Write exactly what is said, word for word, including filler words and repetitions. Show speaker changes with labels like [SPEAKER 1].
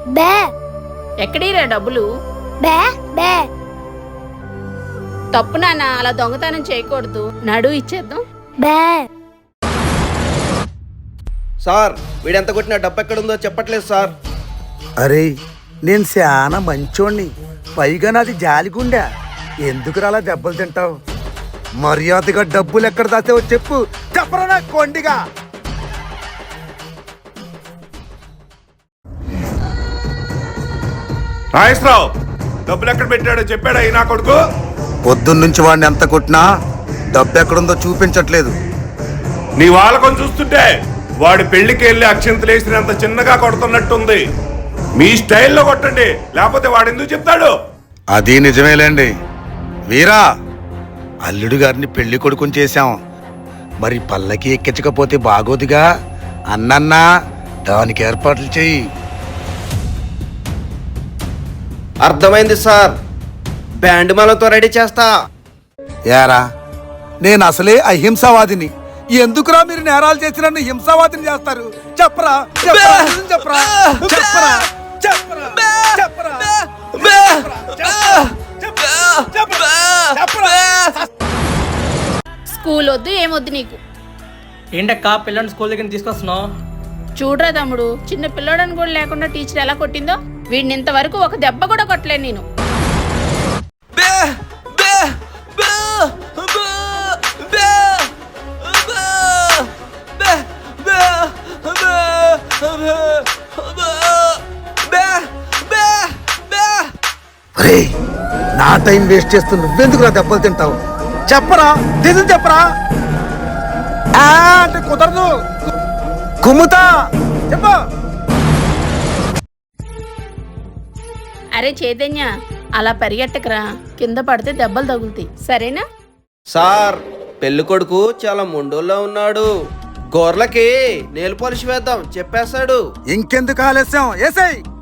[SPEAKER 1] బే
[SPEAKER 2] ఎక్కడీరా డబ్బులు?
[SPEAKER 1] బే బే
[SPEAKER 2] తప్పు నాన్న, అలా దొంగతనం చేయకూడదు. నడు ఇచ్చేద్దాం.
[SPEAKER 1] బే
[SPEAKER 3] సార్ వీడెంత కొట్టినా డబ్బు ఎక్కడుందో చెప్పట్లేదు సార్.
[SPEAKER 4] అరే నేను చాలా మంచోణ్ణి, పైగా నాది జాలిగుండా. ఎందుకు అలా దెబ్బలు తింటావు? మర్యాదగా డబ్బులు ఎక్కడ దాచావో చెప్పు. చెప్పరా నా కొండిగా.
[SPEAKER 5] నాగేశ్వరరావు డబ్బులు ఎక్కడ పెట్టాడో చెప్పాడా ఈ నా కొడుకు?
[SPEAKER 4] పొద్దున్నుంచి వాడిని ఎంత కొట్టినా డబ్బు ఎక్కడుందో చూపించట్లేదు.
[SPEAKER 5] నీ వాళ్ళకం చూస్తుంటే వాడి పెళ్లికి వెళ్ళి అక్షింతలు వేసినంత చిన్నగా కొడుతున్నట్టుంది. మీ స్టైల్లో కొట్టండి, లేకపోతే వాడు ఎందుకు చెప్తాడు?
[SPEAKER 4] అది నిజమేలేండి వీరా. అల్లుడు గారిని పెళ్లి కొడుకుని చేశాం, మరి పల్లకి ఎక్కించకపోతే బాగోదుగా. అన్నన్నా దానికి ఏర్పాట్లు చెయ్యి.
[SPEAKER 3] అర్థమైంది సార్, బ్యాండ్ మేళంతో రెడీ చేస్తా.
[SPEAKER 4] యారా నేను అసలే అహింసావాదిని, ఎందుకురా మీరు నేరాలు చేసి నన్ను హింసావాదిని చేస్తారు? చెప్పరా చెప్పరా చెప్పరా చెప్పరా చెప్పరా చెప్పరా
[SPEAKER 2] స్కూల్ వద్దు ఏమొద్దు నీకు.
[SPEAKER 6] ఏంటక్క పిల్లల్ని స్కూల్ దగ్గర తీసుకొస్తున్నావు?
[SPEAKER 2] చూడరా తమ్ముడు, చిన్న పిల్లోడని కూడా లేకుండా టీచర్ ఎలా కొట్టిందో. వీడిని ఇంతవరకు ఒక దెబ్బ కూడా కొట్టలేను నేను.
[SPEAKER 4] అరే నా టైం వేస్ట్ చేస్తూ నువ్వెందుకు నా దెబ్బలు తింటావు? చెప్పరా నిజం చెప్పరా. ఆ అంటే కుదరదు, కుమ్ముతా. చెప్పు.
[SPEAKER 2] అరే చైతన్య, అలా పరిగెట్టకరా, కింద పడితే దెబ్బలు తగులుతాయి, సరేనా?
[SPEAKER 3] సార్ పెళ్లి కొడుకు చాలా మొండోల్లో ఉన్నాడు, గోర్లకి నేలు పాలిష్ వేద్దాం చెప్పేశాడు.
[SPEAKER 4] ఇంకెందుకు ఆలస్యం? ఏసై